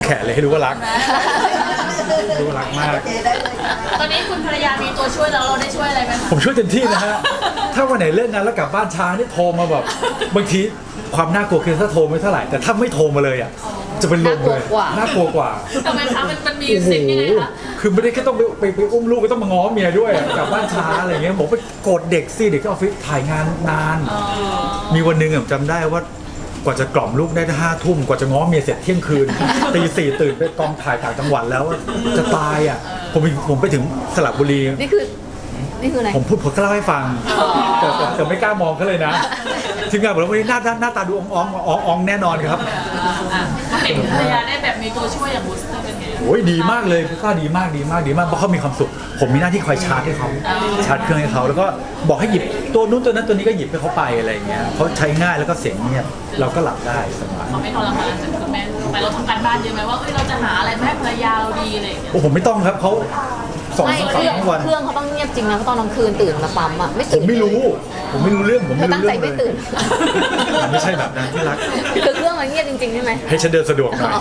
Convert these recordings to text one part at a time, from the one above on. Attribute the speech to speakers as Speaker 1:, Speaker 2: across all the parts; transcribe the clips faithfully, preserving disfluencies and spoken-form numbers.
Speaker 1: แขนเลยให้รู้ว่ารักรู้ว่ารักมาก
Speaker 2: ตอนนี้คุณภรรยามีตัวช่วยแล้วเราได้ช่วยอะไรไหมคะ
Speaker 1: ผมช่วยเต็มที่นะฮะถ้าวันไหนเลิกงานแล้วกลับบ้านช้านี่โทรมาแบบบางทีความน่ากลัวคือถ้าโทรไม่เท่าไหร่แต่ถ้าไม่โทรมาเลยอ่ะจะเป็นลมเลยน่ากลัวกว่า
Speaker 2: ทำไมคะมันมันมีสิ่งยังไงคะ
Speaker 1: คือไม่ได้แค่ต้องไปไปไปอุ้มลูกก็ต้องมาง้อเมียด้วยกลับบ้านช้าอะไรเงี้ยผมไปโกรธเด็กสิเด็กที่ออฟฟิศถ่ายงานนานมีวันหนึ่งจำได้ว่ากว่าจะกล่อมลูกได้ห้าทุ่มกว่าจะง้อเมียเสร็จเที่ยงคืนตีสี่ตื่นไปกองถ่ายต่างจังหวัดแล้วจะตายอ่ะผมผมไปถึงสระบุรี
Speaker 3: นี่คือนี่คืออะไร
Speaker 1: ผมพูดผมก็เล่าให้ฟังแต่แต่ไม่กล้ามองเขาเลยนะทีมงานบอกว่าวันนี้หน้าหน้าตาดูอ่องอ่องอ่องแน่นอนครับ
Speaker 2: เห็นภรรยาได้แบบมีตัวช่วยอย่างบูสเตอร์เป็นไง
Speaker 1: โอ้ยดีมากเลยก็ดีมากดีมากดีมากเพราะเขามีความสุขผมมีหน้าที่คอยชาร์จให้เขาชาร์จเครื่องให้เขาแล้วก็บอกให้หยิบตัวนู้นตัวนั้นตัวนี้ก็หยิบให้เขาไปอะไรอย่างเงี้ยเขาใช้ง่ายแล้วก็เสียงเงียบเราก็หลับได้สบาย
Speaker 2: เขาไม่ทรมานจนคุณแม่ไปเราทำการบ้านเยอะไหมว่าเอ้ยเราจะหาอะไรมาให้ภรรยาเราดีอะไรอย่างเงี้ย
Speaker 1: โอ้ผมไม่ต้องครับเขาสองสามวัน
Speaker 3: เครื่องเขาต้องเงียบจริงนะตอนกลางคืนตื่นมาปั๊มอ่ะไม่
Speaker 1: ตื่นผมไม่รู้ผมไม่รู้เรื่องผมไม่รู้เรื่อง
Speaker 3: เลยตั้งใจไม่ตื่น
Speaker 1: ไม่ใช่แบบนั้นที่รัก
Speaker 3: คือเครื่องมันเงียบจริงๆใช่ไหม
Speaker 1: ให้ฉันเดินสะดวกหน่อย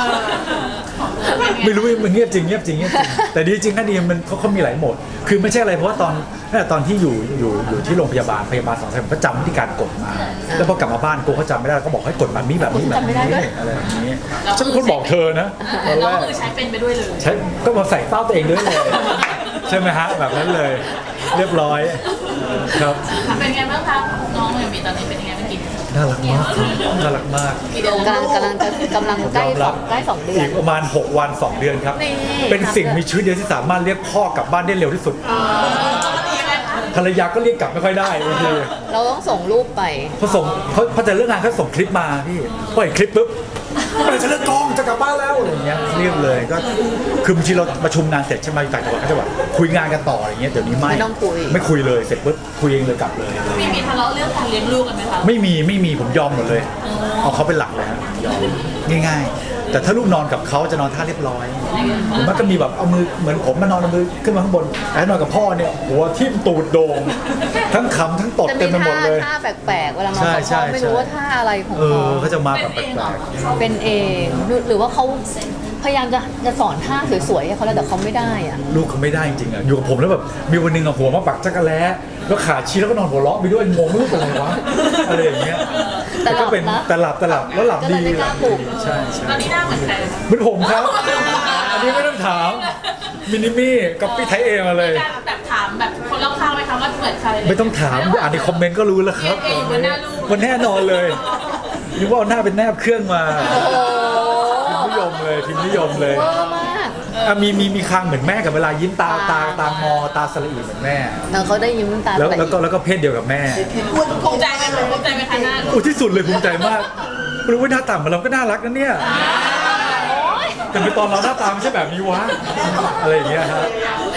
Speaker 1: ไม่รู้มันเงียบจริงเงียบจริงเงียบจริงแต่ดีจริงนะดีมันเขาเขามีหลายโหมดคือไม่ใช่อะไรเพราะว่าตอนตอนที่อยู่อยู่อยู่ที่โรงพยาบาลพยาบาลสองสายผมก็จำวิธีการกดมาแล้วพอกลับมาบ้านกูเขาจำไม่ได้ก็บอกให้กดแบบนี้แบบนี้แบบนี้อะไรแบบนี้ฉันเป็นคนบอกเธอนะตอนแรก
Speaker 2: คือใช้เป็นไปด้วยเลย
Speaker 1: ใช้ก็มาใส่เป้าตัวเองด้วยเลยใช่ไหมฮะแบบนั้นเลยเรียบร้อยครับ
Speaker 2: เป็นไงบ้างคะน้องอย่างมีตอนนี้เป็นยังไงเมื่อกี้
Speaker 1: น่ารักมากน่ารักมาก
Speaker 3: กำลังกำลังจะกำลังใกล้สองใกล้สองเดือน
Speaker 1: อีกประมาณหกวันสองเดือนครับเป็นสิ่งมีชีวิตเดียวที่สามารถเรียกพ่อกลับบ้านได้เร็วที่สุดภรรยาก็เรียกกลับไม่ค่อยได้บางที
Speaker 3: เราต้องส่งรูปไป
Speaker 1: เขาส่งเขาพอจะเลิกงานเขาส่งคลิปมาพี่พอเห็นคลิปปุ๊บจะเลิกกองจะกลับบ้านแล้วอะไรอย่างเงี้ยเรียบเลยก็คือบางทีเราประชุมงานเสร็จใช่ไหมต่างจังหวัดก็จะแบบคุยงานกันต่ออย่างเงี้ยเดี๋ยวนี้ไม่
Speaker 3: ไม่ต้องคุย
Speaker 1: ไม่คุยเลยเสร็จปุ๊บคุยเองเลยกลับเลย
Speaker 2: มีมีทะเลาะเรื่องการเลี้ยงลูกกันไหมคะ
Speaker 1: ไม่มีไม่มีผมยอมหมดเลยเอาเขาเป็นหลักเลยฮะยอมง่ายๆแต่ถ้าลูกนอนกับเขาจะนอนท่าเรียบร้อยผมมันก็มีแบบเอามือเหมือนผมมานอนเอามือขึ้นมาข้างบนแต่นอนกับพ่อเนี่ยหัวทิ่มตูดโด่งทั้งขำทั้งตดเต็มไปหมดเลย
Speaker 3: ท่าแปลกๆเวลานอนกับพ่อไม่รู้ว่าท่าอะไรของเขา
Speaker 1: เขาจะมาแบบแปลก
Speaker 3: ๆเป็นเองหรือว่าเขาพยายามจะจะสอนท่าสวยๆให้เขาแล้วแต่เขาไม่ได้อ่ะ
Speaker 1: ลูกเขาไม่ได้จริงๆอ่ะอยู่กับผมแล้วแบบมีวันนึงอ่ะหัวมาปักจักรแล้แล้วขาชี้แล้วก็นอนหัวเราะไปด้วยงงลูกเป็นอะไรวะอะไรอย่างเงี้ย
Speaker 3: แต่ก็
Speaker 1: เป็นแต่หลับแต่หลับแล้วหลับดีใช่ใช่
Speaker 2: ตอนนี้หน้าเหมือนใคร
Speaker 1: เหมือนผมครับอันนี้ไม่ต้องถามมินิมี่กับพี่ไทยเอมาเลย
Speaker 2: แบบถามแบบคนรอบข้างไหมคะว่าเหมือนใคร
Speaker 1: ไม่ต้องถามอ่านในคอมเมนต์ก็รู้แล้วครับมันแน่นอนเลยนึกว่าเอาหน้าเป็นแนบเครื่องมานิยมเลยทีมนิยมเลยมีมีมีคางเหมือนแม่กับเวลายิ้มตาตาตางอตาสละอีเหมือนแม่
Speaker 3: แล้วเขาได้ยิ้มตา
Speaker 1: แล้วแล้วก็แล้วก็เพศเดียวกับแม่
Speaker 2: ภูมิใจไหมภูมิใจไหมคะหน้า
Speaker 1: โอ้ที่สุดเลยภูมิใจมากรู้ว่าหน้าตาของเราก็น่ารักนะเนี่ยแต่เป็นตอนเราหน้าตาไม่ใช่แบบนี้วะอะไรอย่างเงี้ยครับ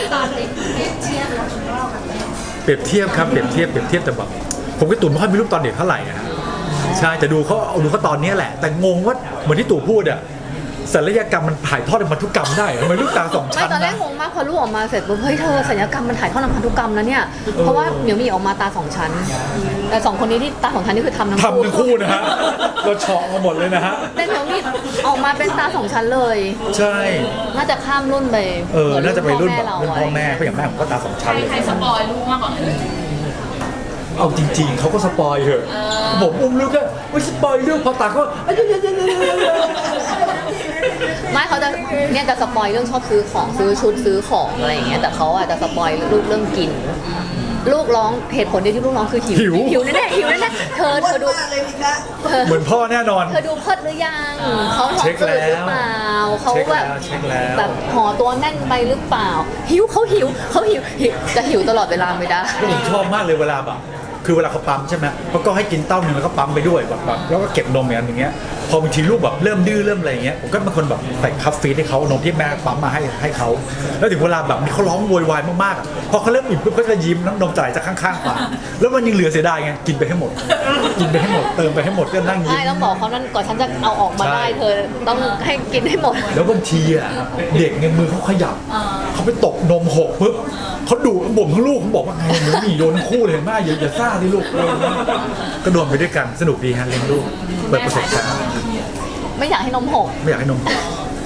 Speaker 1: เปรียบเทียบครับเปรียบเทียบเปรียบเทียบแต่แบบผมก็ตู่ไม่ค่อยมีรูปตอนเด็กเท่าไหร่นะใช่แต่ดูเขาเอาดูเขาตอนนี้แหละแต่งงว่าเหมือนที่ตู่พูดอะศัลยกรรมมันถ่ายทอดในพันธุกรรมได้ทำไมลูกตาสองชั้นนะ
Speaker 3: ไม่ตอนแรกงงมากพอลูกออกมาเสร็จปุ๊บเฮ้ยเธอศัลยกรรมมันถ่ายทอดในพันธุกรรมนะเนี่ยเพราะว่าเหมียวมีออกมาตาสองชั้นแต่สองคนนี้ที่ตาสองชั้นนี่คือทำทั้งคู่
Speaker 1: ทำทั้งคู่นะฮะเราเฉาะมาหมดเลยนะฮะ
Speaker 3: แต่เหมียวมีออกมาเป็นตาสองชั้นเลย
Speaker 1: ใช่
Speaker 3: น่าจะข้ามรุ่นไป
Speaker 1: เออน่าจะไปรุ่นแบบรุ่นพ่อแม่เพราะอย่างแม่ผมก็ตาสองชั้นเลย
Speaker 2: ใครสปอยลูกมากกว่า
Speaker 1: เอาจริงๆเขาก็สปอยเหอะผมอุ้มลูกก็ไม่สปอยเรื่องพอตาเขา
Speaker 3: ไม่เขาจะเนี่ยจะสปอยเรื่องชอบซื้อของซื้อชุดซื้อของอะไรอย่างเงี้ยแต่เขาอ่ะจะสปอยลูกเรื่องกินลูกร้องเหตุผลเดียวที่ลูกร้องคือหิวหิวแน่ๆหิวแน่ๆเธอเธอดู
Speaker 1: เหมือนพ่อแน่นอน
Speaker 3: เธอดูเพิดหรือยังเขาท้องอืดหรือเปล่าเขาแบบแบบห่อตัวแน่นไปหรือเปล่าหิวเขาหิวเขาหิวจะหิวตลอดเวลาไม่ได้
Speaker 1: ผมชอบมากเลยเวลาแบบคือเวลาเขาปั๊มใช่ไหมเขาก็ให้กินเต้าหนึ่งแล้วก็ปั๊มไปด้วยแบบแล้วก็เก็บนมอย่างเงี้ยพอบางทีลูกแบบเริ่มดื้อเริ่มอะไรเงี้ยผมก็เป็นคนแบบใส่คัฟฟีดให้เขานมที่แม่ปั๊มมาให้ให้เขาแล้วถึงเวลาแบบเขาร้องโวยวายมากๆพอเขาเริ่มอิ่มปุ๊บเขาจะยิ้มน้ำนมจ่ายจากข้างๆปากแล้วมันยังเหลือเสียดายไงกินไปให้หมดกินไปให้หมดเติมไปให้หมดก็นั่งยิ้ม
Speaker 3: ใช่ต้องบอกเขานั่นก่อนฉันจะเอาออกมาได้เธอต้องให้กินให้หมด
Speaker 1: แล้วบางทีอ่ะเด็กเนี่ยมือเขาขยับเขาไปตกนมหกปุ๊บเขาดุบ่มทั้งลูกเขาบอกว่าไงหนูหนีโดนคู่เลยแม่อย่าอย่าซ่าดิลูกก็โดนไปด้วยกันสนุกดีฮะเลี้ยงลูกเปิดประสบการณ์
Speaker 3: ไม่อยากให้นมหก
Speaker 1: ไม่อยากให้นมหก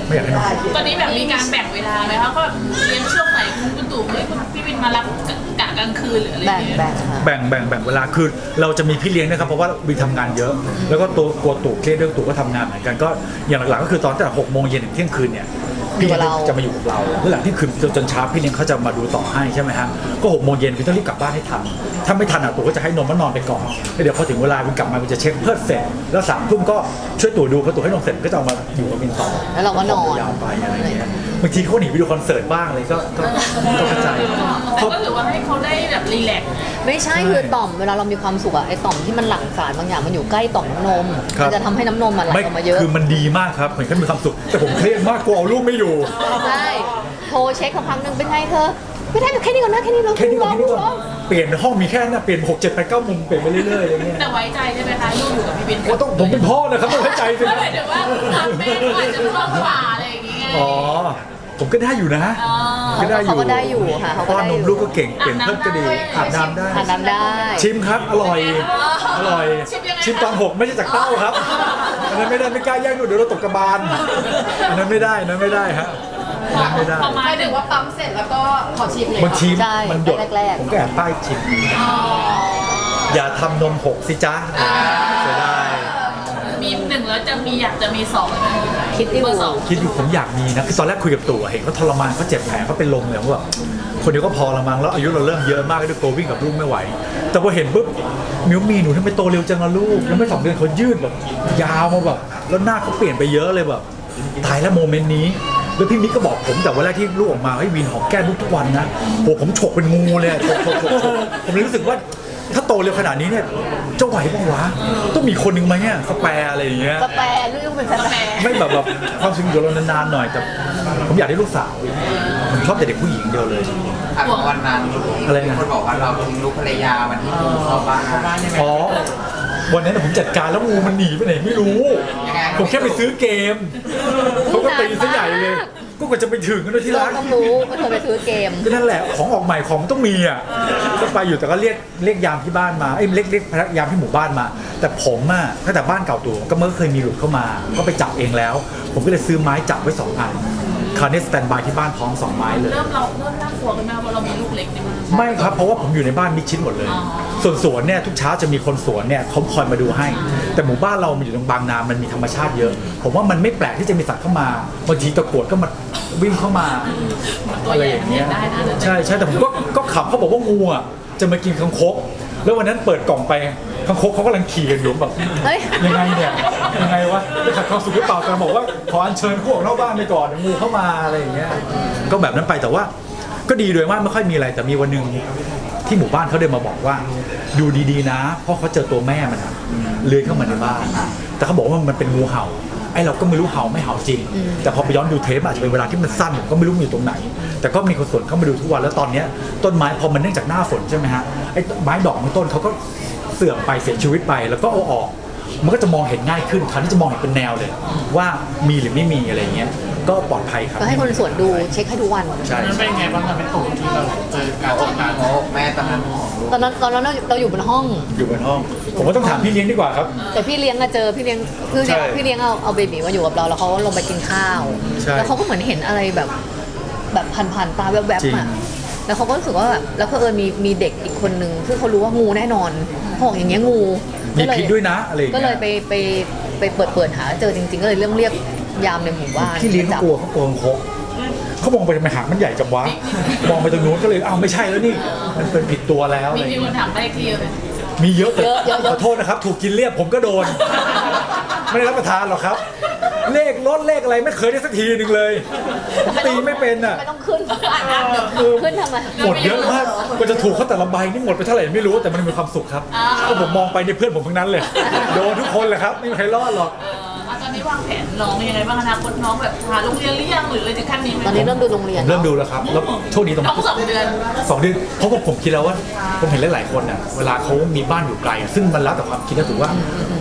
Speaker 1: ไม่อยากให้นมผง
Speaker 2: ตอนนี้แบบมีการแบ่งเวลาไหมคะก็แบบเลี้ยงช่วงไหนคุณตู่เฮ้ยคุณพี่วินมารับกะกลางคืนหรืออะไรอ
Speaker 3: แบ่
Speaker 2: ย่าง งเงี้ย
Speaker 3: แบ่งค่ะ
Speaker 1: แบ่งแบ่งแบ่งเวลาคือเราจะมีพี่เลี้ยงนะครับเพราะว่าวีทำงานเยอะ แล้วก็ตัวกลัวตู่เครียดเรื่องตู่ก็ทำงานเหมือนกันก็อย่างหลักๆก็คือตอนตั้งแต่หกโมงเย็นถึงเที่ยงคืนเนี่ยพี่เลี้ยงจะมาอยู่กับเราแล้วหลังที่คืนจนเช้าพี่เลี้ยงเขาจะมาดูต่อให้ใช่ไหมฮะก็หกโมงเย็นพี่ต้องรีบกลับบ้านให้ทันถ้าไม่ทันอ่ะตู่ก็จะให้นมแล้วนอนไปก่อนแล้วเดี๋ยวพอถึงเวลาวินกลับมาวินจะเช็คเพิดเสร็จแล้วสามทุ่มก็ช่วยตู่ดูพอตู่ให้นมเสร็จก็จะเอามาอยู่กับวินต่อ
Speaker 3: แล้วเราก็นอน
Speaker 1: ยาวไปอะไรเงี้ยบางทีเขาหนีไปดูคอนเสิร์ตบ้างอะไรก็ก็ก็เข้าใจ
Speaker 2: แต่ก็ถือว่าให้เขาได้แบบรีแลกซ์
Speaker 3: ไม่ใช่คือต่อมเวลาเรามีความสุขอะไอต่อมที่มันหลั่งสารบางอย่างมันอยู่ใกล้ต่อมน้ำนม
Speaker 1: ครับ
Speaker 3: มันจะทำให้น้ำนมมันไหล
Speaker 1: ไม่
Speaker 3: ออกมาเยอะ
Speaker 1: คือมันดีมากครับเหมือนเขามีความสุขแต่ผมเครียดมากกลัวเอาลูกไม่อยู่
Speaker 3: ใช่โทรเช็คสักพักหนึ่งเป็นไงเธอไม่ได้แค่นี้ก่อนนะแค่นี้เรา
Speaker 1: แค่นี้ก่อนแค่นี้ก่อน
Speaker 3: ร้อง
Speaker 1: เปลี่ยนห้องมีแค่นั้นเปลี่ยนหกเจ็ดแปดเก้ามุมเปลี่ยนไปเรื่อยๆอย่างเงี้ย
Speaker 2: แต่ไว้ใจใช่ไหมคะลูกอยู่กับพี่วิน
Speaker 1: ว่าต้องผมเป็นพ่อนะครับต้องไว้ใจสิ
Speaker 2: ก็หมายถึงว่าทำแม่ก็อาจจะชอบกว่าอะไรอย่างเงี้ย
Speaker 1: อ๋อผมก็ได้อยู่นะ
Speaker 2: อ๋อ
Speaker 1: ก็ได้อยู่
Speaker 3: เขาก็ได้อยู่ค่ะเขาก็
Speaker 1: ป้อน
Speaker 3: ได้
Speaker 1: น
Speaker 3: อยู่
Speaker 1: มลูกก็เก่งเปลี่ยนเพิ่มก็ดีอาบน้ำได้
Speaker 3: ทานน้ำได้
Speaker 1: ชิมครับอร่อยอร่อยชิมตอนหกไม่ใช่จากเต้าครับอันนั้นไม่ได้ไม่กล้าแย่งหนูเดี๋ยวเราตกกระบาลอันนั้นไม่ได้อันนั้นไม่ได้ฮะอันนั้นไม่ได้
Speaker 2: ประมาณ
Speaker 4: หมายถึงว่าปั๊มเสร็จแล้วก็ขอชิมเลย
Speaker 1: บางที
Speaker 3: ใช่
Speaker 1: มันหยด
Speaker 3: แรกๆ
Speaker 1: ผมก็แอบป้ายชิมอย่าทำนมหกสิจ๊ะเสียดาย
Speaker 2: มีหนึ่งแล้วจะมีอยากจะมีสองไหม
Speaker 3: คิดอยู่
Speaker 2: เบอร์สอง
Speaker 1: คิดอยู่ผมอยากมีนะคือตอนแรกคุยกับตู่อะเห็นเขาทรมานเขาเจ็บแผลเขาเป็นลมเลยผมว่าแบบคนเดียวก็พอละมั้งแล้วอายุเราเริ่มเยอะมากด้วยตัววิ่งกับลูกไม่ไหว แต่พอเห็นปุ๊บมิวมีหนูทำไมโตเร็วจังละลูกแล้วไม่สองเดือนเขายืดแบบยาวมาแบบแล้วหน้าเขาเปลี่ยนไปเยอะเลยแบบตายแล้วโมเมนต์นี้แล้วพี่มิกก็บอกผมแต่วันแรกที่ลูกออกมาให้วีนหอมแก้มลูกทุกวันนะโหผมฉกเป็นงูเลยอะฉกฉกฉกฉกผมเลยรู้สึกว่าถ้าโตเร็วขนาดนี้เนี่ยจะไหวบ้างวะต้องมีคนหนึ่งไหมเนี่ยสแปร์อะไรอย่างเงี้ย
Speaker 3: สแปรลูกเป็นสแปร
Speaker 1: ไม่แบบแบบความสุขอยู่เรานานๆหน่อยแต่ผมอยากได้ลูกสาวผมชอบแต่เด็กผู้หญิงเดียวเลย
Speaker 5: อ่ะวันนั้น
Speaker 1: อะไรนะ
Speaker 5: มีคนบอกว่าเราทิ้งลูกภรรยาวันที่งูเข้าบ้านเข้าบ้านได้ไหม
Speaker 1: อ๋อวันนั้นผมจัดการแล้วงูมันหนีไปไหนไม่รู้
Speaker 5: ยังไง
Speaker 1: ผมแค่ไปซื้อเกมเขาก็ตีซะใหญ่เลยก็กว่าจะไปถึงกันด้วยที่
Speaker 3: เรา
Speaker 1: รัก
Speaker 3: ต้องรู้ว่าเธอไปซื้อเกม
Speaker 1: ก็นั่นแหละของออกใหม่ของต้องมีอ่ะก็ไปอยู่แต่ก็เรียกเรียกยามที่บ้านมาเอ้ยเรียกเรียกพนักยามที่หมู่บ้านมา แต่ผมอ่ะตั้งแต่บ้านเก่าตัวก็เมื่อเคยมีหลุดเข้ามา ก็ไปจับเองแล้ว ผมก็เลยซื้อไม้จับไว้สองอันคราวนี้สแตนบายที่บ้านพร้อมสองไม้เลย
Speaker 2: เริ่มเราเริ่มน่ากลัวกันไหมเพราะเรามีลูกเล็กในบ้าน
Speaker 1: ไม่ครับเพราะว่าผมอยู่ในบ้านมิดชิดหมดเลย
Speaker 2: อ๋อ
Speaker 1: ส่วนสวนเนี่ยทุกเช้าจะมีคนสวนเนี่ยเขาคอยมาดูให้ แต่หมู่บ้านเรามันอยู่ตรงบางนา มันมีธรรมชาติเยอะ ผมว่ามันไม่แปลกที่จะมีสัตว์เข้ามาบางทีตะกรวดก็มาวิ่งเข้ามา
Speaker 2: ตัว
Speaker 1: อะไร
Speaker 2: ใหญ่
Speaker 1: อย่าง
Speaker 2: เลี้
Speaker 1: เงี้
Speaker 2: ย
Speaker 1: ย
Speaker 2: งได้นะ
Speaker 1: ใช่ใช่แต่ผมก็ก็ขับเขาบอกว่างูอ่ะจะมากินคังคกแล้ววันนั้นเปิดกล่องไปคังคกเขากำลังขี่กันอยู่แบบ
Speaker 3: เฮ้ย
Speaker 1: ยังไงเนี่ยยังไงวะจะขัดความสุขหรือเปล่าแต่บอกว่าขออัญเชิญพวกนอกบ้านไปก่อนเดี๋ยวงูเข้ามาอะไรอย่างเงี้ยก็แบบนั้นไปแต่ว่าก็ดีโดยว่าไม่ค่อยมีอะไรแต่มีวันหนึ่งที่หมู่บ้านเขาเดินมาบอกว่าดูดีๆนะเพราะเขาเจอตัวแม่มันอะเลื้อยเข้ามาในบ้านแต่เขาบอกว่ามันเป็นงูเห่าไอ้เราก็ไม่รู้เห่าไม่เห่าจริง แต่พอไปย้อนดูเทปอาจจะเป็นเวลาที่มันสั้นผมก็ไม่รู้มันอยู่ตรงไหน แต่ก็มีคนสวนเข้ามาดูทุกวันแล้วตอนเนี้ยต้นไม้พอมันเนื่องจากหน้าฝนใช่ไหมฮะไอ้ไม้ดอกบางต้นเขาก็เสื่อมไปเสียชีวิตไปแล้วก็เอาออก มันก็จะมองเห็นง่ายขึ้นคราวนี้จะมองเห็นเป็นแนวเลย ว่ามีหรือไม่มีอะไรเงี้ยก็ปลอดภัยครับ
Speaker 3: ก็ให้คนสวนดูเช็คให้ทุกวัน
Speaker 1: ใช่
Speaker 6: นั้นเป็นไงบ้างครับเป็นตู่ที่เราเจอการจัดการ
Speaker 5: โอ้แม่ตอนนั้นของลูก
Speaker 3: ตอนนั้นตอนนั้นเราเราอยู่บนห้อง
Speaker 1: อยู่บนห้อง ผมว่าต้องถามพี่เลี้ยงดีกว่าครับ
Speaker 3: แต่พี่เลี้ยงอะเจอพี่เลี้ยงคือ
Speaker 1: ใช่
Speaker 3: พี่เลี้ยงเอาเอาเบบีมาอยู่กับเราแล้วเขาลงไปกินข้าว
Speaker 1: ใช่
Speaker 3: แล้วเขาก็เหมือนเห็นอะไรแบบแบบผ่านๆตาแวบ
Speaker 1: จริง
Speaker 3: ๆอะแล้วเขาก็รู้สึกว่าแบบแล้วเผอิญมีมีเด็กอีกคนนึงซึ่งเขารู้ว่างูแน่นอนเขาบอกอย่างเงี้ยงู
Speaker 1: มี
Speaker 3: ก็เล
Speaker 1: พิษด้วยนะอะไรอย่าง
Speaker 3: ก็
Speaker 1: เงี้ย
Speaker 3: เลยไปไปไปเปิดเปิดหาเจอจริง ๆ ก็เลยเรื่องเรียกยามในหมู่บ้าน
Speaker 1: พี่เลี้ยง
Speaker 3: มาจับ
Speaker 1: เขากลัวเขากลัวคกเขามองไปทำไมหางมันใหญ่จังวะมองไปตรงนู้นก็เลยอ้าวไม่ใช่แล้วนี่มันเป็นผิดตัวแล้วอะไร
Speaker 2: มี
Speaker 1: อย่าง
Speaker 2: มี
Speaker 1: เงี้ย
Speaker 2: คนถามได้ทีเลย
Speaker 1: มีเยอะแต่
Speaker 3: เยอะเยอะเยอะ
Speaker 1: ขอโทษนะครับ ถูกกินเรียบผมก็โดน ไม่ได้รับประทานหรอกครับ เลขลดเลขอะไรไม่เคยได้สักทีหนึ่งเลยตีไม่เป็นอ่ะ
Speaker 3: ไม่ต้องขึ้น
Speaker 1: เออ
Speaker 3: ขึ้นทำไม
Speaker 1: หมดเยอะมากกว่าจะถูกเขาแต่ละใบนี่หมดไปเท่าไหร่ไม่รู้แต่มันมีความสุขครับก็ผมมองไปในเพื่อนผมทั้งนั้นเลยโดนทุกคนเลยครับไม่มีใครรอดหรอก
Speaker 2: เออตอนนี้วางแผนน้องยังไงบ้างอนาคตน้องแบบหาโรงเรียนหรือยังหรืออะไรถึงขั้นนี้ไหม
Speaker 3: ตอนนี้เริ่มดูโรงเรียน
Speaker 1: เริ่มดูแล้วครับแล้วโชคดีตรง
Speaker 2: น้องสองเดือน
Speaker 1: สองเดือนเพราะว่าผมคิดแล้วว่าผมเห็นหลายๆคนน่ะเวลาเขามีบ้านอยู่ไกลอะซึ่งมันแล้วแต่ความคิดนะถือว่า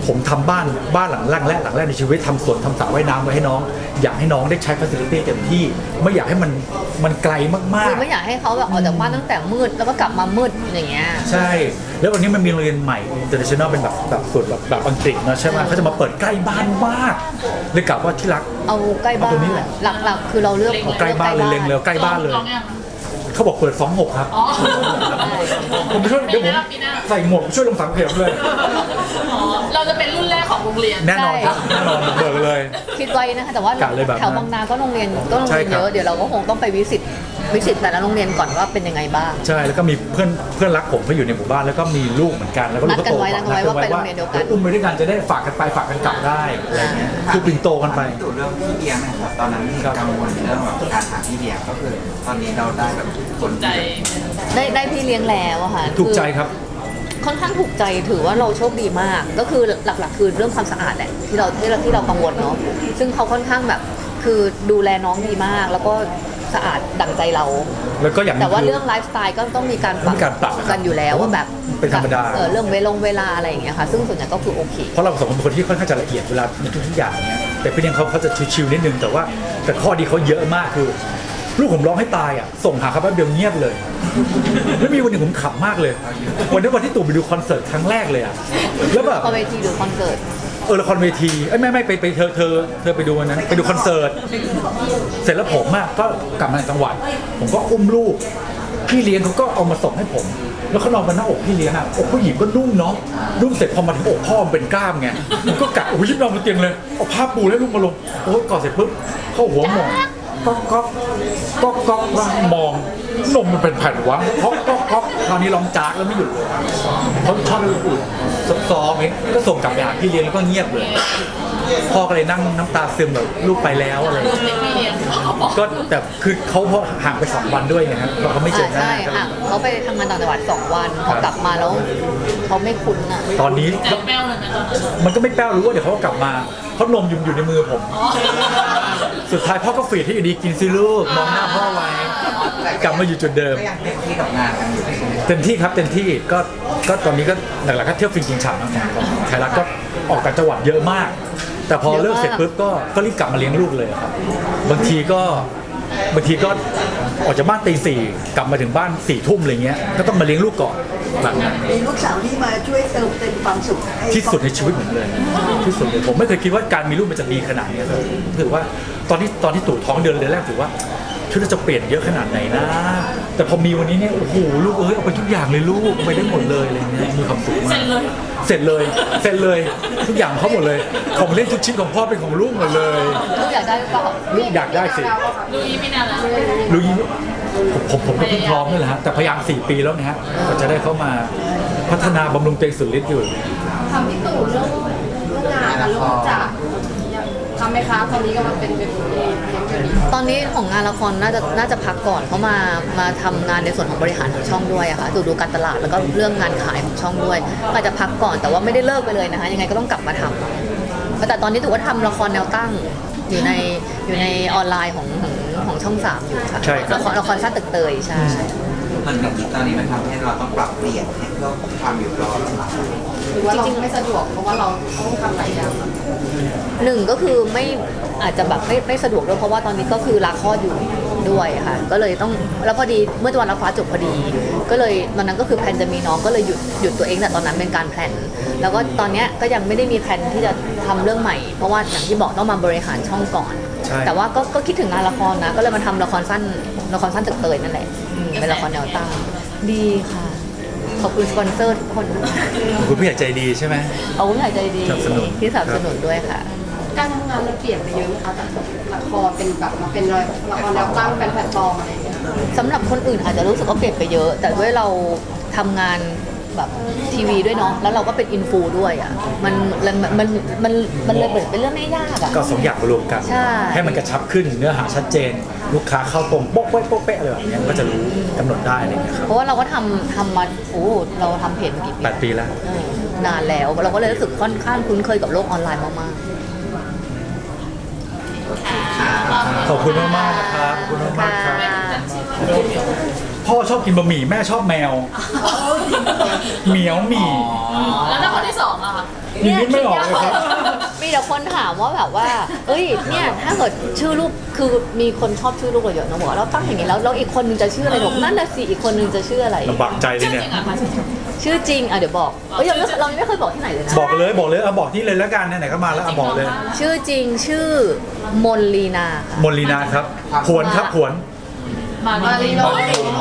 Speaker 1: ผมทำบ้านบ้านหลังแรกและหลังแรกในชีวิตทำสวนทำสระว่ายน้ำไว้ให้น้อง อยากให้น้องได้ใช้ฟัสซิลิตี้เต็มที่ไม่อยากให้มันมันไกลมาก
Speaker 3: คือไม่อยากให้เขาแบบออกจากบ้านตั้งแต่มืดแล้วก็กลับมามืดอย่างเงี้ย
Speaker 1: ๆใช่แล้ววันนี้มันมีโรงเรียนใหม่ international เป็นแบบแบบส่วนแบบแบบอังกฤษเนอะใช่ไหมเขาจะมาเปิดใกล้บ้านมากเลยกลับว่าที่รัก
Speaker 3: เอาใกล้บ้า
Speaker 1: เอาตรงนี้
Speaker 3: น
Speaker 1: แหละ
Speaker 3: หลักๆ คือเราเลือก
Speaker 1: เอาใกล้บ้านเลยเล็งแล้วใกล้บ้านเลย
Speaker 2: ลองยัง
Speaker 1: เขาบอกเปิดสองหกครับ
Speaker 2: อ๋อ
Speaker 1: ผมไปช่วยเดี๋ยวผม
Speaker 2: ปีหน้า
Speaker 1: ใส่หมวกช่วยลงสังเกตเลย
Speaker 2: อ๋อเราจะเป็นรุ่นแรกของโรงเรียน
Speaker 1: แน่นอนครับแน่นอนเบิกเลย
Speaker 3: คิดไว้นะคะแต่ว่าก
Speaker 1: ะเลยแบบนั้น
Speaker 3: แถวบางนาก็โรงเรียนก็โรง
Speaker 1: ใช่
Speaker 3: เรียน
Speaker 1: ครั
Speaker 3: เย
Speaker 1: บ
Speaker 3: อะเดี๋ยวเราก็คงต้องไปวิสิตวิสิตแต่ละโรงเรียนก่อนว่าเป็นยังไงบ้าง
Speaker 1: ใช่แล้วก็มีเพื่อนเพื่อนรักผมเขาอยู่ในหมู่บ้านแล้วก็มีลูกเหมือนกันแล้วก็ลูกก็โต
Speaker 3: นัดกันไว้นัดกันไว้ว่าไปโรงเรียนเดียวกัน
Speaker 1: อุ้มไปด้วยกันจะได้ฝากกันไปฝากกันกลับได้อะไรเงี้ยคือปิ่นโตกันไป
Speaker 5: ตู่เรื่องพี่เลี้ยงนะครับตอนนั้นมีกังวลเรื่องแบบการหาพี่เลี้ยงก็คือ ตอนนี้เราได้แบบคน
Speaker 2: ใจ
Speaker 3: ได้ได้พี่เลี้ยงแล้วอะค่ะ
Speaker 1: ถูกใจ
Speaker 3: อ
Speaker 1: ครับ
Speaker 3: ค่อนข้างถูกใจถือว่าเราโชคดีมาก ก็คือหลักๆ คือเรื่องความสะอาดแหละที่เราที่เราที่เรากังวลเนาะซึ่งเขาค่อนข้างแบบคือดูแลน้องดีมาก แล้วก็สะอาดดั่งใจเรา
Speaker 1: แล้วก็อย่างหนึ่
Speaker 3: แต่ว่า
Speaker 1: คื
Speaker 3: เรื่องไลฟ์สไตล์ก็ต้องมีการปรับ
Speaker 1: มีการปรับนะครับ
Speaker 3: กันอยู่แล้วว่าแบบ
Speaker 1: เป็นธรรมดา
Speaker 3: เออเรื่องเวลงเวลาอะไรอย่างเงี้ยค่ะ ซึ่งส่วนใหญ่ก็คือโอเค
Speaker 1: เพราะเราสองคนเป็นคนที่ค่อนข้างจะละเอียดเวลาในทุกๆอย่างเนี้ยแต่พี่เลี้ยงเขาเขาจะชิวๆนิดนึงแต่ว่าแต่ข้อดีเขาเยอะมากคือ ลูกผมร้องให้ตายอ่ะส่งหาเขาแป๊บเดียวเงียบเลยแล้วมีวันหนึ่งผมขำมากเลย วันนี้วันที่ตู่ไปดูคอนเสิร์ตครั้งแรกเลยอ่ะแล้วแบบ
Speaker 3: คอนเวทีหรือคอนเสิร์ต
Speaker 1: เออละครเวทีเอ้ยไม่ไม่ไปไปเธอเธอเธอไปดูวันนั้นไปดูคอนเสิร์ตเสร็จแล้วผมอ่ะก็กลับมาจากจังหวัด ผมก็อุ้มลูกพี่เลี้ยงเขาก็เอามาส่งให้ผม แล้วเขานอนบนหน้าอกพี่เลี้ยงอ่ะอกผู้หญิงก็นุ่มเนาะนุ่มเสร็จพอมาถึงอกพ่อมันเป็นกล้ามไงผมก็กะโอ้ยยิบนอนบนเตียงเลยเอาผ้าปูแล้วลูกมาลงโอ้ยกอดเสร็จปุ๊บเข้าหัวหมองก็ก็ก็ก็ว่ามองนมมันเป็นแผ่นวะก็ก็ก็คราวนี้ร้องจากแล้วไม่หยุดเลยเขาชอบอุ่นๆซอฟๆเองก็ส่งกลับไปหาพี่เลี้ยงแล้วก็เงียบเลยพ่อก็เลยนั่งน้ำตาซึมแบบลูกไปแล้วอะไรอย่างเงี้ย
Speaker 2: เป็นพี่เลี้ยง
Speaker 1: ก็แต่คือเขาพอห่างไปสองวันด้วยไงครับเราก็ไม่เจอหน้า
Speaker 3: ใช่
Speaker 1: กัน
Speaker 3: ค่ะเขาไปทำงานต่างจังหวัดสองวันพอกลับมาแล้วเขาไม่คุ้นอ่ะ
Speaker 1: ตอนนี้
Speaker 2: ใจแป้วเลยไหมตอนนั้น
Speaker 1: มันก็ไม่แป้วรู้ว่าเดี๋ยวเขาก็กลับมาเพราะนมอยู่อยู่ในมือผม สุดท้ายพ่อก็ฝีดให้อยู่ดีกินซิลูกมองหน้าพ่อไว้กลับมาอยู่จุดเดิม
Speaker 5: ก็ยังเต็มที่กับงานกันอยู่ใช่ไหม
Speaker 1: เต็มที่ครับเต็มที่ก็ก็ตอนนี้ก็หลักๆก็เที่ยวฟินกินฉ่ำนะครับไทยรัฐก็ออกต่างจังหวัดเยอะมาก แต่พอเลิกเสร็จปุ๊บก็ก็รีบกลับมาเลี้ยงลูกเลยครับบางทีก็บางทีก็ออกจากบ้านตีสี่กลับมาถึงบ้านสี่ทุ่มอะไรเงี้ยก็ต้องมาเลี้ยงลูกก่อนแบบนั้น
Speaker 7: มีลูกสาวที่มาช่วยเติมเต็มความสุขให้
Speaker 1: ที่สุดในชีวิตผมเลยที่สุดเลยผมไม่เคยคิดว่าการมีลูกมันจะดีขนาดนี้ครับถือว่าตอนที่ตอนที่ตู่ท้องเดือนเดือนแรกถือว่าชีวิตเราจะเปลี่ยนเยอะขนาดไหนนะ แต่พอมีวันนี้เนี่ยโอ้โหลูกเอ้ยเอาไปทุกอย่างเลยลูกเอาไปได้หมดเลยอะไรเงี้ยมีความสุขมาก
Speaker 2: เสร็จเลย
Speaker 1: เสร็จเลยเสร็จเลยทุกอย่างเขาหมดเลยของเล่นทุกชิ้นของพ่อเป็นของลูกหมดเลย
Speaker 3: ลูกอยากได้หรือเปล่า
Speaker 1: ลูกอยากได้สิ
Speaker 2: ดูอีไม่นานแล้ว
Speaker 1: ลูกยิ่งผมผมผมก็เพิ่งพร้อมนี่แหละฮะแต่พยายามสี่ปีแล้วนะฮะก็จะได้เข้ามาพัฒนาบำรุงตัวเองสุดฤทธิ์อยู่
Speaker 4: ทำพี่ตู่เรื่องเรื่องงานกับเรื่องจักรทำไหมคะตอนนี้ก็มาเป็นเป็นเองเลี้ยงอยู่ดี
Speaker 3: ตอนนี้ของงานละครน่าจะน่าจะพักก่อนเพราะมามาทำงานในส่วนของบริหารของช่องด้วยอะค่ะดูดูการตลาดแล้วก็เรื่องงานขายของช่องด้วยก็อาจจะพักก่อนแต่ว่าไม่ได้เลิกไปเลยนะคะยังไงก็ต้องกลับมาทำแต่ตอนนี้ถือว่าทำละครแนวตั้งอยู่ในอยู่ในออนไลน์ของของของช่องสามอยู่ค่ะ
Speaker 1: ใช่ครับ
Speaker 3: ละครละครสั้นตึกเตยใช่
Speaker 5: มันแบบนี้ตอนนี้มันทำให้เราต้องปรับเปลี่ยนให้เพื่อความอยู่รอด
Speaker 4: หรือว่าเราไม่สะดวกเพราะว่าเราต้องทำหลายอย่าง
Speaker 3: หนึ่งก็คือไม่อาจจะแบบไม่ไม่สะดวกด้วยเพราะว่าตอนนี้ก็คือลาคลอดอยู่ด้วยค่ะ ก็เลยต้องแล้วพอดีเมื่อวันรับฟ้าจบพอดี ก็เลยตอนนั้นก็คือแพลนจะมีน้องก็เลยหยุดหยุดตัวเองแต่ตอนนั้นเป็นการแพลนแล้วก็ตอนเนี้ยก็ยังไม่ได้มีแพลนที่จะทำเรื่องใหม่ เพราะว่าอย่างที่บอกต้องมาบริหารช่องก่อน
Speaker 1: ใช่
Speaker 3: แต่ว่าก็ก็คิดถึงงานละครนะ ก็เลยมาทำละครสั้นละครสั้นตึกเตยนั่นแหละอืมเป็นละครแนวตั้งดีค่ะขอบคุณสปอนเซอร์ทุกคน
Speaker 1: ขอบคุณผู้ใหญ่ใจดีใช่ไหม
Speaker 3: ขอบคุณผู้ใหญ่ใจดี
Speaker 1: สนับสนุน
Speaker 3: ที่สนับสนุนด้วยค่ะ
Speaker 4: การทำงานมันเปลี่ยนไปเยอะไหมคะจากละครเป็นแบบมาเป็นละครแนวตั้งเป็นแพลตฟอร์มอะไรอย่างเงี้ย
Speaker 3: สำหรับคนอื่นอาจจะรู้สึกว่าเปลี่ยนไปเยอะ แต่ด้วยเราทำงานแบบทีวีด้วยเนาะแล้วเราก็เป็นอินฟูด้วยอ่ะมันมันมันมันมันเลยเป็นเรื่องไม่ยากอ่ะ
Speaker 1: ก็สองอย่างมารวมกัน
Speaker 3: ใช่
Speaker 1: ให้มันกระชับขึ้นเนื้อหาชัดเจน ลูกค้าเข้าตรงโป๊ะเป๊ะโป๊ะเป๊ะอะไรแบบเนี้ยมันก็จะรู้กำหนดได้อะไรอย่างเลยครับ
Speaker 3: เพราะว่าเราก็ทำทำมาโอ้เราทำเพจมากี่ปี
Speaker 1: แปดปีแล้ว
Speaker 3: เออนานแล้วเราก็เลยรู้สึกค่อนข้างคุ้นเคยกับโลกออนไลน์มาก
Speaker 1: ขอบคุณมากมากๆนะครับขอบคุณมาก
Speaker 3: ๆ
Speaker 1: มากๆครับ
Speaker 3: ค่ะ
Speaker 1: พ่อชอบกินบะหมี่แม่ชอบแมวเหมียวหมี่
Speaker 2: แล้วถ้าคนที่สองอะคะ
Speaker 1: ยิงนิดไม่ออกเลยครับ
Speaker 3: มีแต่คนถามว่าแบบว่า เอ้ย เนี่ย ถ้าเกิดชื่อลูก คือมีคนชอบชื่อลูกเราเยอะนะบอกว่าเราตั้งอย่างนี้แล้วแล้วอีกคนนึงจะชื่ออะไรหรอกนั่นน่ะสิ อีกคนนึงจะชื่ออะไร
Speaker 1: ลำบากใจเลย
Speaker 2: ชื่อ
Speaker 1: เนี่
Speaker 2: จ
Speaker 1: ย
Speaker 2: ริงอ่ะมาชื่อจริง
Speaker 3: ชื่อจริง อ่ะเดี๋ยวบอกเอ้ยยังไม่เรายังไม่เคยบอกที่ไหนเลยนะ
Speaker 1: บอกเลยบอกเลยเอาบอกที่เลยแล้วกันไหนๆก็มาแล้วเอาบอกเลย
Speaker 3: ชื่อจริงชื่อมนลีนาค่ะ
Speaker 1: มนลีนาครับผวนครับผวน
Speaker 2: มา
Speaker 4: มา
Speaker 2: ลี
Speaker 4: ลี
Speaker 2: โน
Speaker 4: โน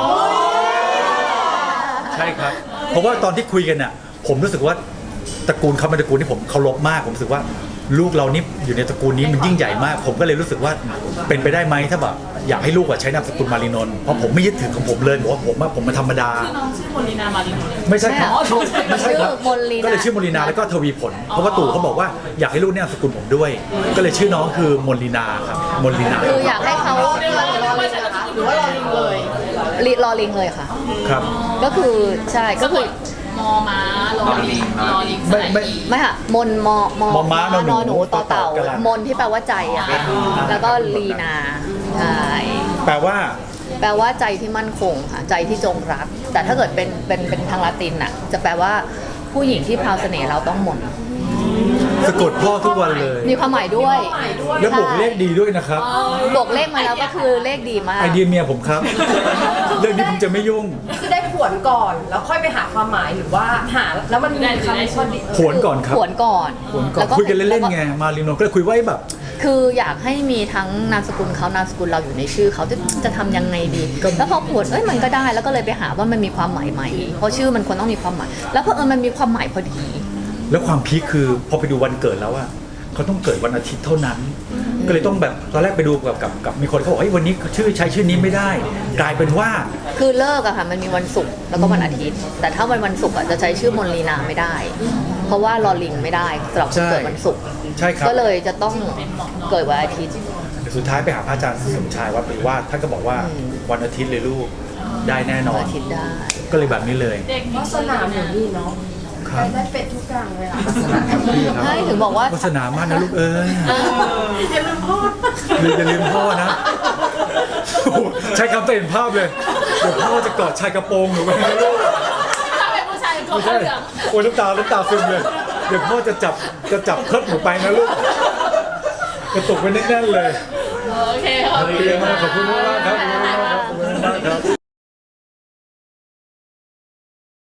Speaker 1: ใช่ครับ เพราะว่าตอนที่คุยกันน่ะผมรู้สึกว่าตระกูลเขาเป็นตระกูลที่ผมเคารพมากผมรู้สึกว่าลูกเรานี่อยู่ในตระกูลนี้มันยิ่งใหญ่มาก ผมก็เลยรู้สึกว่าเป็นไปได้ไหมถ้าแบบอยากให้ลูกอะใช้นามสกุลมารีนนท์เพราะผมไม่ยึดถือของผมเลยบอกว่าผมว่าผมมาธรรมดา
Speaker 2: คือน้องชื่อโมลินามาลีโนเลย
Speaker 1: ไม่ใช่ครับ
Speaker 2: อ๋อถูกใช่
Speaker 1: ไม่ใช่ครับ
Speaker 3: ชื่อมนลีนา
Speaker 1: ก็เลยชื่อมนลีนาแล้วก็ทวีผล เพราะว่าตู่เขาบอกว่าอยากให้ลูกเนี่ยนามสกุลผมด้วย ก็เลยชื่อน้องคือมนลีนาครับมนลีนา
Speaker 3: คืออยากให้เขา
Speaker 2: เรียกว่าเรียกว่าใช่นะคะ
Speaker 4: หรือว่ารอลิงเลย
Speaker 3: ลีรอลิงเลยค่ะ
Speaker 1: ครับ
Speaker 3: ก็คือใช่ก็คือ
Speaker 2: มอม้าลอลิงลอลิง
Speaker 1: ไม่ไม่
Speaker 3: ไม่ค่ะมนมอมอ
Speaker 1: มอม้านอหนู
Speaker 3: หนูต่อเต่า
Speaker 1: ต่อเต่ากะลัน
Speaker 3: มนที่แปลว่าใจอะค่ะแล้วก็ลีนาใช่
Speaker 1: แปลว่า
Speaker 3: แปลว่าใจที่มั่นคงค่ะใจที่จงรัก แต่ถ้าเกิดเป็นเป็นเป็นทางละตินอะจะแปลว่าผู้หญิงที่พราวเสน่ห์เราต้องมน
Speaker 1: สะกดพ่อทุกวันเลย
Speaker 3: มีความหมายด้วย
Speaker 1: แล้วบวกเลขดีด้วยนะครับ
Speaker 3: บวกเลขมาแล้วก็คือเลขดีมาก
Speaker 1: ไอเดียเมียผมครับ เรื่องนี้ผมจะไม่ยุ่ง
Speaker 4: คือได้ผวนก่อนแล้วค่อยไปหาความหมายหรือว่าหาแล้วมันมีคำพอดี
Speaker 1: ผวนก่อนครับ
Speaker 3: ขวนก่อน
Speaker 1: ผวนก่อน
Speaker 3: แล้ว
Speaker 1: คุยกันเล่นๆไงมารีนนท์ก็เลยคุยไว้แบบ
Speaker 3: คืออยากให้มีทั้งนามสกุลเขานามสกุลเราอยู่ในชื่อเขาจะจะทำยังไงดี
Speaker 1: ก็
Speaker 3: แล้วพอผวนเอ้ยมันก็ได้แล้วก็เลยไปหาว่ามันมีความหมายไหมเพราะชื่อมันควรต้องมีความหมาย แล้วเพอเออมันมีความหมายพอดี
Speaker 1: แล้วความพีคคือพอไปดูวันเกิดแล้วอะเขาต้องเกิดวันอาทิตย์เท่านั้น ก็เลยต้องแบบตอนแรกไปดูกับกับกับมีคนเขาบอกเฮ้ยวันนี้ชื่อใช้ชื่อนี้ไม่ได้ กลายเป็นว่า
Speaker 3: คือเลิกอะค่ะมันมีวันศุกร์แล้วก็วันอาทิตย์ แต่ถ้าวันวันศุกร์อะจะใช้ชื่อมนลีนาไม่ได้ เพราะว่าลอลิงไม่ได้สำหรับคนเกิดวันศุกร์
Speaker 1: ใช่ครับ
Speaker 3: ก็เลยจะต้องเกิดวันอาทิตย์
Speaker 1: สุดท้ายไปหาพระอาจารย์สมชายวัดปริวาสท่านก็บอกว่า
Speaker 3: อืม
Speaker 1: วันอาทิตย์เลยลูกได้แน่นอ
Speaker 3: วัน นอาทิตย์ได้
Speaker 1: ก็เลยแบบนี้เลย
Speaker 2: เด็ก
Speaker 4: วาสนาเหมือนนี่เนาะ
Speaker 1: ครับ
Speaker 4: ได้เป็ดทุกอย่างเลยอ่ะ
Speaker 3: ใช่ถึงบอกว่า
Speaker 1: วาสนามากนะลูกเอ้ย
Speaker 4: อย่าลืมพ่อ
Speaker 1: ลืมอย่าลืมพ่อนะโอ้โหใช้คำเต็นภาพเลยเดี๋ยวพ่อจะกอดชายกระโปรงหนูไว้นะลูก
Speaker 2: ถ้าเป็นผู้ชายตัว
Speaker 1: ไม่
Speaker 2: เห
Speaker 1: ใช่
Speaker 2: ลือง
Speaker 1: โอ้ยน้ำตาน้ำตาซึมเลยเดี๋ยวพ่อจะจับจะจับเคิร์ดหนูไปนะลูกกระตุกไว้แน่นๆเลย
Speaker 2: โอเคขอบ
Speaker 1: โอ
Speaker 2: คุณ
Speaker 1: เคมากขอบคุณมากครับ